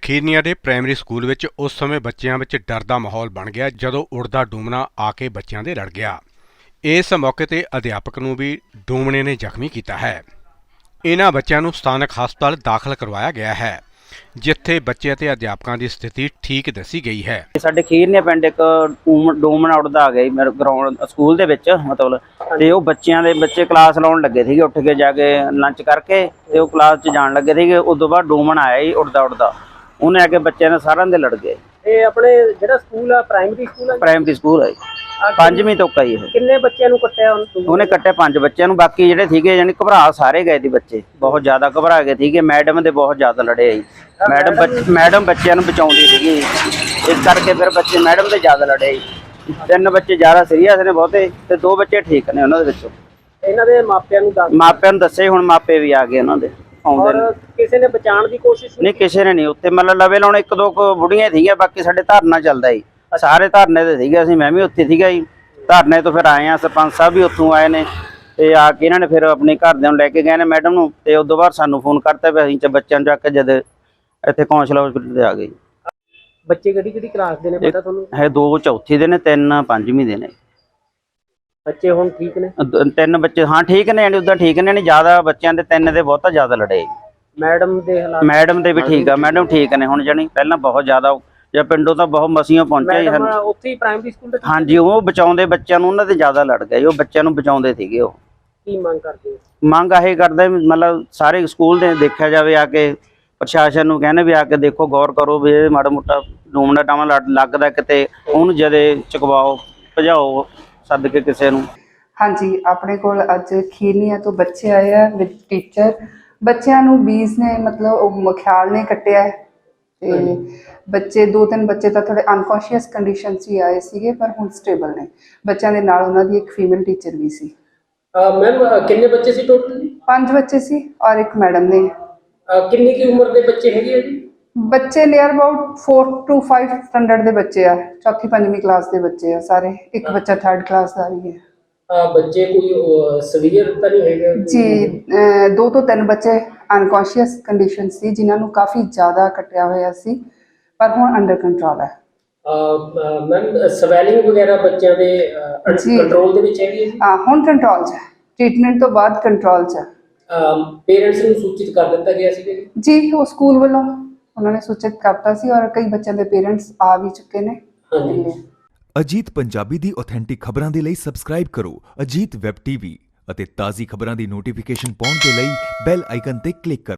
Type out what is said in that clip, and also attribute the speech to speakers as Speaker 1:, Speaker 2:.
Speaker 1: ਖੀਰਨੀਆਂ ਦੇ primary school ਵਿੱਚ ਉਸ ਸਮੇਂ ਬੱਚਿਆਂ ਵਿੱਚ ਡਰ ਦਾ ਮਾਹੌਲ ਬਣ ਗਿਆ ਜਦੋਂ ਉੜਦਾ ਡੂਮਣਾ ਆ ਕੇ ਬੱਚਿਆਂ ਦੇ ਲੜ ਗਿਆ। ਇਸ ਮੌਕੇ ਤੇ ਅਧਿਆਪਕ ਨੂੰ ਵੀ ਡੂਮਣੇ ਨੇ ਜ਼ਖਮੀ ਕੀਤਾ ਹੈ। ਇਹਨਾਂ ਬੱਚਿਆਂ ਨੂੰ ਸਥਾਨਕ ਹਸਪਤਾਲ ਦਾਖਲ ਕਰਵਾਇਆ ਗਿਆ ਹੈ, ਜਿੱਥੇ ਬੱਚੇ ਅਤੇ ਅਧਿਆਪਕਾਂ ਦੀ ਸਥਿਤੀ ਠੀਕ ਦੱਸੀ ਗਈ ਹੈ।
Speaker 2: ਸਾਡੇ ਖੀਰਨੀਆਂ ਪਿੰਡ ਇੱਕ ਡੂਮਣਾ ਉੜਦਾ ਆ ਗਿਆ ਜੀ ਮੇਰੇ ਗਰਾਊਂਡ ਸਕੂਲ ਦੇ ਵਿੱਚ ਮਤਲਬ, ਤੇ ਉਹ ਬੱਚੇ ਕਲਾਸ ਲਾਉਣ ਲੱਗੇ ਸੀਗੇ, ਉੱਠ ਕੇ ਜਾ ਕੇ ਲੰਚ ਕਰਕੇ ਤੇ ਉਹ ਕਲਾਸ 'ਚ ਜਾਣ ਲੱਗੇ ਸੀਗੇ। ਉਸ ਤੋਂ ਬਾਅਦ ਡੂਮਣਾ ਆਇਆ ਜੀ ਉੜਦਾ ਉਹਨੇ ਆ ਕੇ ਬੱਚਿਆਂ ਨੇ ਸਾਰਿਆਂ ਦੇ ਲੜ ਗਏ।
Speaker 3: ਇਹ ਆਪਣੇ ਜਿਹੜਾ ਸਕੂਲ ਆ ਪ੍ਰਾਇਮਰੀ ਸਕੂਲ ਹੈ
Speaker 2: ਪੰਜਵੀਂ ਤੋਂ ਕਈ ਇਹ
Speaker 3: ਕਿੰਨੇ ਬੱਚਿਆਂ ਨੂੰ ਕੱਟਿਆ
Speaker 2: ਉਹਨੇ ਕੱਟੇ 5 ਬੱਚਿਆਂ ਨੂੰ, ਬਾਕੀ ਜਿਹੜੇ ਸੀਗੇ ਯਾਨੀ ਘਬਰਾ ਸਾਰੇ ਗਏ ਸੀ ਬੱਚੇ, ਬਹੁਤ ਜ਼ਿਆਦਾ ਘਬਰਾ ਗਏ ਸੀਗੇ। ਮੈਡਮ ਦੇ ਬਹੁਤ ਜ਼ਿਆਦਾ ਲੜੇ ਜੀ, ਮੈਡਮ ਬੱਚਿਆਂ ਨੂੰ ਬਚਾਉਂਦੀ ਸੀਗੀ, ਇਸ ਕਰਕੇ ਫਿਰ ਬੱਚੇ ਮੈਡਮ ਦੇ ਜ਼ਿਆਦਾ ਲੜੇ ਜੀ। 3 ਬੱਚੇ ਜ਼ਿਆਦਾ ਸੀਰੀਅਸ ਨੇ ਬਹੁਤੇ ਤੇ 2 ਬੱਚੇ ਠੀਕ ਨੇ ਉਹਨਾਂ ਦੇ ਵਿੱਚੋਂ।
Speaker 3: ਇਹਨਾਂ ਦੇ ਮਾਪਿਆਂ ਨੂੰ
Speaker 2: ਦੱਸੇ ਹੁਣ ਮਾਪੇ ਵੀ ਆ ਗਏ ਉਹਨਾਂ ਦੇ ਆਉਂਦੇ ਨੇ।
Speaker 3: ਕਿਸੇ ਨੇ ਬਚਾਉਣ ਦੀ ਕੋਸ਼ਿਸ਼
Speaker 2: ਨਹੀਂ, ਕਿਸੇ ਨੇ ਨਹੀਂ ਉੱਥੇ ਮਤਲਬ ਲਵੇ ਲਾਉਣ 1-2 ਬੁੜੀਆਂ ਸੀਗੀਆਂ, ਬਾਕੀ ਸਾਡੇ ਧਰਨਾ ਚੱਲਦਾ ਜੀ, ਸਾਰੇ ਧਰਨੇ ਤੇ ਸੀਗੇ, ਅਸੀਂ ਮੈਂ ਵੀ ਉੱਥੇ ਸੀਗਾ ਜੀ। ਧਰਨੇ ਤੋਂ ਫਿਰ ਆਏ ਆ, ਸਰਪੰਚ ਸਾਹਿਬ ਵੀ ਉੱਥੋਂ ਆਏ ਨੇ ਤੇ ਆ ਕੇ ਇਹਨਾਂ ਨੇ ਫਿਰ ਆਪਣੇ ਘਰਦਿਆਂ ਨੂੰ ਲੈ ਕੇ ਗਏ ਨੇ ਮੈਡਮ ਨੂੰ, ਤੇ ਉਸ ਤੋਂ ਬਾਅਦ ਸਾਨੂੰ ਫੋਨ ਕਰਤਾ ਵੀ ਅਸੀਂ ਬੱਚਿਆਂ ਨੂੰ ਚੱਕ ਕੇ ਜਦ ਇੱਥੇ ਕੌਂਸਲ ਹਸਪੀਟਲ ਤੇ ਆ ਗਏ।
Speaker 3: ਬੱਚੇ ਕਿਹੜੀ ਕਲਾਸ ਦੇ ਨੇ ਪਤਾ ਤੁਹਾਨੂੰ?
Speaker 2: ਹੈ 2 ਚੌਥੀ ਦੇ ਨੇ, 3 ਪੰਜਵੀਂ ਦੇ ਨੇ।
Speaker 3: ਬੱਚੇ ਹੁਣ ਠੀਕ ਨੇ?
Speaker 2: 3 ਬੱਚੇ ਹਾਂ ਠੀਕ ਨੇ, ਉਦਾਂ ਠੀਕ ਨੇ, ਨਹੀਂ ਜ਼ਿਆਦਾ ਬੱਚਿਆਂ ਦੇ 3 ਦੇ ਬਹੁਤਾ ਜ਼ਿਆਦਾ ਲੜੇ।
Speaker 3: ਮੈਡਮ ਦੇ ਹਾਲਾਤ?
Speaker 2: ਮੈਡਮ ਦੇ ਵੀ ਠੀਕ ਆ, ਮੈਡਮ ਠੀਕ ਨੇ ਹੁਣ, ਜਾਣੀ ਪਹਿਲਾਂ ਬਹੁਤ ਜ਼ਿਆਦਾ ਜਾਂ ਪਿੰਡੋਂ ਤਾਂ ਬਹੁਤ ਮਸੀਆਂ ਪਹੁੰਚਿਆ ਜੀ।
Speaker 3: ਉੱਥੇ ਹੀ ਪ੍ਰਾਇਮਰੀ ਸਕੂਲ ਦੇ?
Speaker 2: ਹਾਂਜੀ, ਉਹ ਬਚਾਉਂਦੇ ਬੱਚਿਆਂ ਨੂੰ, ਉਹਨਾਂ ਦੇ ਜ਼ਿਆਦਾ ਲੜ ਗਏ, ਉਹ ਬੱਚਿਆਂ ਨੂੰ ਬਚਾਉਂਦੇ ਸੀਗੇ। ਉਹ
Speaker 3: ਕੀ ਮੰਗ ਕਰਦੇ?
Speaker 2: ਮੰਗ ਇਹ ਕਰਦੇ ਮਤਲਬ ਸਾਰੇ ਸਕੂਲ ਦੇ ਦੇਖਿਆ ਜਾਵੇ, ਆ ਕੇ ਪ੍ਰਸ਼ਾਸਨ ਨੂੰ ਕਹਿੰਦੇ ਵੀ ਆ ਕੇ ਦੇਖੋ, ਗੌਰ ਕਰੋ ਵੀ ਇਹ ਮਾੜਾ ਮੋਟਾ ਡੂਮਣਾ ਟਾਮਾ ਲੱਗਦਾ ਕਿਤੇ, ਉਹਨੂੰ ਜਦੇ ਚੁਕਵਾਓ, ਭਜਾਓ ਸੱਦ ਕੇ ਕਿਸੇ ਨੂੰ।
Speaker 4: ਹਾਂਜੀ, ਆਪਣੇ ਕੋਲ ਅੱਜ ਖੀਰਨੀਆਂ ਤੋਂ ਬੱਚੇ ਆਏ ਆ ਵਿਦ ਟੀਚਰ। ਬੱਚਿਆਂ ਨੂੰ ਬੀਜ ਨੇ ਮਤਲਬ ਉਹ ਮਖਿਆਲ ਨੇ ਕੱਟਿਆ ਹੈ ਤੇ ਬੱਚੇ 2-3 ਬੱਚੇ ਤਾਂ ਥੋੜੇ ਅਨਕੌਂਸ਼ੀਅਸ ਕੰਡੀਸ਼ਨ 'ਚ ਹੀ ਆਏ ਸੀਗੇ, ਪਰ ਹੁਣ ਸਟੇਬਲ ਨੇ। ਬੱਚਿਆਂ ਦੇ ਨਾਲ ਉਹਨਾਂ ਦੀ ਇੱਕ ਫੀਮੇਲ ਟੀਚਰ ਵੀ ਸੀ।
Speaker 3: ਮੈਮ ਕਿੰਨੇ ਬੱਚੇ ਸੀ ਟੋਟਲ?
Speaker 4: 5 ਬੱਚੇ ਸੀ ਔਰ ਇੱਕ ਮੈਡਮ ਨੇ।
Speaker 3: ਕਿੰਨੀ ਕੀ ਉਮਰ ਦੇ ਬੱਚੇ ਹੈਗੇ ਆ ਜੀ? ਬੱਚੇ
Speaker 4: ਨੀਅਰ ਅਬਾਊਟ 4 to 5 ਸਟੈਂਡਰਡ ਦੇ ਬੱਚੇ ਆ, 4th-5ਵੀਂ ਕਲਾਸ ਦੇ ਬੱਚੇ ਆ ਸਾਰੇ। ਇੱਕ ਬੱਚਾ 3rd ਕਲਾਸ ਦਾ ਵੀ ਹੈ।
Speaker 3: ਬੱਚੇ ਕੋਈ ਸਵੀਅਰ ਤਾਂ ਨਹੀਂ ਹੈਗੇ
Speaker 4: ਜੀ? 2 ਤੋਂ 3 ਬੱਚੇ ਅਨਕੌਂਸ਼ੀਅਸ ਕੰਡੀਸ਼ਨ ਸੀ, ਜਿਨ੍ਹਾਂ ਨੂੰ ਕਾਫੀ ਜ਼ਿਆਦਾ ਕੱਟਿਆ ਹੋਇਆ ਸੀ, ਪਰ ਹੁਣ ਅੰਡਰ ਕੰਟਰੋਲ ਹੈ।
Speaker 3: ਮੈਮ ਸਵੈਲਿੰਗ ਵਗੈਰਾ ਬੱਚਿਆਂ ਦੇ ਕੰਟਰੋਲ ਦੇ ਵਿੱਚ ਹੈਗੀ?
Speaker 4: ਹੁਣ ਕੰਟਰੋਲ 'ਚ ਹੈ, ਟ੍ਰੀਟਮੈਂਟ ਤੋਂ ਬਾਅਦ ਕੰਟਰੋਲ 'ਚ ਹੈ।
Speaker 3: ਪੇਰੈਂਟਸ ਨੂੰ ਸੂਚਿਤ ਕਰ ਦਿੱਤਾ ਗਿਆ ਸੀ
Speaker 4: ਜੀ? ਉਹ ਸਕੂਲ ਵੱਲੋਂ ਉਹਨਾਂ ਨੇ ਸੂਚਿਤ ਕਰਤਾ ਸੀ ਔਰ ਕਈ ਬੱਚਿਆਂ ਦੇ ਪੇਰੈਂਟਸ ਆ ਵੀ ਚੁੱਕੇ ਨੇ।
Speaker 5: ਅਜੀਤ ਪੰਜਾਬੀ ਦੀ ਆਥੈਂਟਿਕ ਖਬਰਾਂ ਦੇ ਲਈ ਸਬਸਕ੍ਰਾਈਬ ਕਰੋ ਅਜੀਤ ਵੈਬ ਟੀਵੀ ਅਤੇ ਤਾਜ਼ੀ ਖਬਰਾਂ ਦੀ ਨੋਟੀਫਿਕੇਸ਼ਨ ਪਾਉਣ ਦੇ ਲਈ ਬੈਲ ਆਈਕਨ ਤੇ ਕਲਿੱਕ ਕਰੋ।